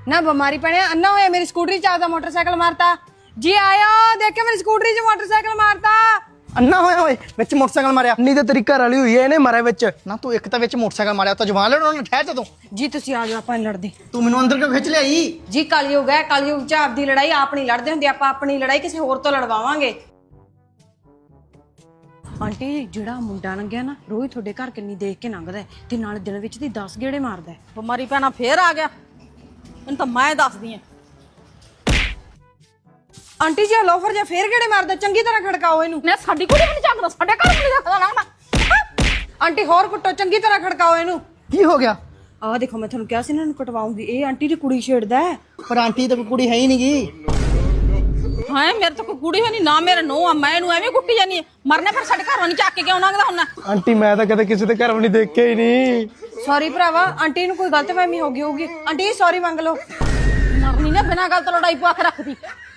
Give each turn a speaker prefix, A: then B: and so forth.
A: ना बीमारी पड़े अन्ना होया मेरी स्कूटरी च आपदा मोटरसाइकिल मारता जी आयो देखे मेरी स्कूटरी च मोटरसाइकिल मारता
B: ਅੰਨਾ ਹੋਇਆ ਓਏ ਵਿੱਚ ਮੋਟਰਸਾਈਕਲ ਮਾਰਿਆ
C: ਨਹੀਂ ਤਾਂ ਤੇਰੀ ਘਰ ਵਾਲੀ ਹੋਈ ਐ ਇਹਨੇ ਮਾਰਿਆ ਵਿੱਚ
B: ਨਾ ਤੂੰ ਇੱਕ ਤਾਂ ਵਿੱਚ ਮੋਟਰਸਾਈਕਲ ਮਾਰਿਆ ਤਾਂ ਜਵਾਨ ਲੜਨ ਨੂੰ ਠਹਿਰ ਜਾ ਤੂੰ
A: जी तुसी आ जाओ ਆਪਾਂ ਨੀ ਲੜਦੇ
B: ਤੂੰ ਮੈਨੂੰ ਅੰਦਰ ਕਿਉਂ ਖਿੱਚ ਲਿਆਈ
A: ਜੀ ਕਲਯੁਗ ਹੈ ਕਲਯੁਗ ਚ ਆਪਦੀ ਲੜਾਈ ਆਪ ਨਹੀਂ ਲੜਦੇ ਹੁੰਦੇ ਆਪਾਂ ਆਪਣੀ ਲੜਾਈ ਕਿਸੇ ਹੋਰ ਤੋਂ ਲੜਵਾਵਾਂਗੇ ਆਂਟੀ ਜਿਹੜਾ ਮੁੰਡਾ ਲੰਘਿਆ ਨਾ ਰੋਜ਼ ਤੁਹਾਡੇ ਘਰ ਕਿੰਨੀ ਦੇਖ ਕੇ ਲੰਘਦਾ ਹੈ ਤੇ ਨਾਲ ਦਿਨ ਵਿੱਚ ਦੀ 10 ਗੇੜੇ ਮਾਰਦਾ ਹੈ
D: ਬਿਮਾਰੀ ਪੈਣਾ ਫੇਰ ਆ ਗਿਆ ਇਹਨੂੰ ਤਾਂ ਮੈਂ ਦੱਸਦੀ ਆ
A: ਆਂਟੀ ਜੀ ਲੋਫਰ ਜਾਂ ਫੇਰ ਗੇੜੇ ਮਾਰਦਾ ਚੰਗੀ ਤਰ੍ਹਾਂ ਖੜਕਾਓ ਇਹਨੂੰ
D: ਨੇ ਸਾਡੀ ਕੁੜੀ ਵੀ ਨਹੀਂ ਚੱਕਦਾ ਸਾਡੇ ਘਰ ਵੀ ਨਹੀਂ ਰੱਖਦਾ ਲੱਗਦਾ
A: ਆਂਟੀ ਹੋਰ ਕੁੱਟੋ ਚੰਗੀ ਤਰ੍ਹਾਂ ਖੜਕਾਓ ਇਹਨੂੰ
B: ਕੀ ਹੋ ਗਿਆ
A: ਆਹ ਦੇਖੋ ਮੈਂ ਤੁਹਾਨੂੰ ਕਿਹਾ ਸੀ ਇਹਨਾਂ ਨੂੰ ਕਟਵਾਉਂਗੀ ਇਹ ਆਂਟੀ ਦੀ ਕੁੜੀ ਛੇੜਦਾ ਹੈ
B: ਪਰ ਆਂਟੀ ਤਾਂ ਕੋਈ ਕੁੜੀ ਹੈ ਹੀ ਨਹੀਂਗੀ
D: ਹਾਂ ਮੇਰੇ ਤਾਂ ਕੋਈ ਕੁੜੀ ਹੈ ਨਹੀਂ ਨਾ ਮੇਰੇ ਨੋ ਆ ਮੈਂ ਇਹਨੂੰ ਐਵੇਂ ਕੁੱਟੀ ਜਾਨੀ ਮਰਨੇ ਫਿਰ ਸਾਡੇ ਘਰੋਂ ਨਹੀਂ ਚੱਕ ਕੇ ਕਿਉਂ ਲੰਘਦਾ ਹੁੰਦਾ
C: ਆਂਟੀ ਮੈਂ ਤਾਂ ਕਦੇ ਕਿਸੇ ਦੇ ਘਰ ਵੀ ਨਹੀਂ ਦੇਖਿਆ ਹੀ ਨਹੀਂ
A: ਸੌਰੀ ਭਰਾਵਾ ਆਂਟੀ ਨੂੰ ਕੋਈ ਗਲਤਫਹਿਮੀ ਹੋ ਗਈ ਹੋਊਗੀ ਆਂਟੀ ਸੌਰੀ ਮੰਗ ਲਓ
D: ਮਰਨੀ ਨੇ ਬਿਨਾਂ ਗੱਲ ਤੋਂ ਲੜਾਈ ਪਵਾ ਕੇ ਰੱਖਦੀ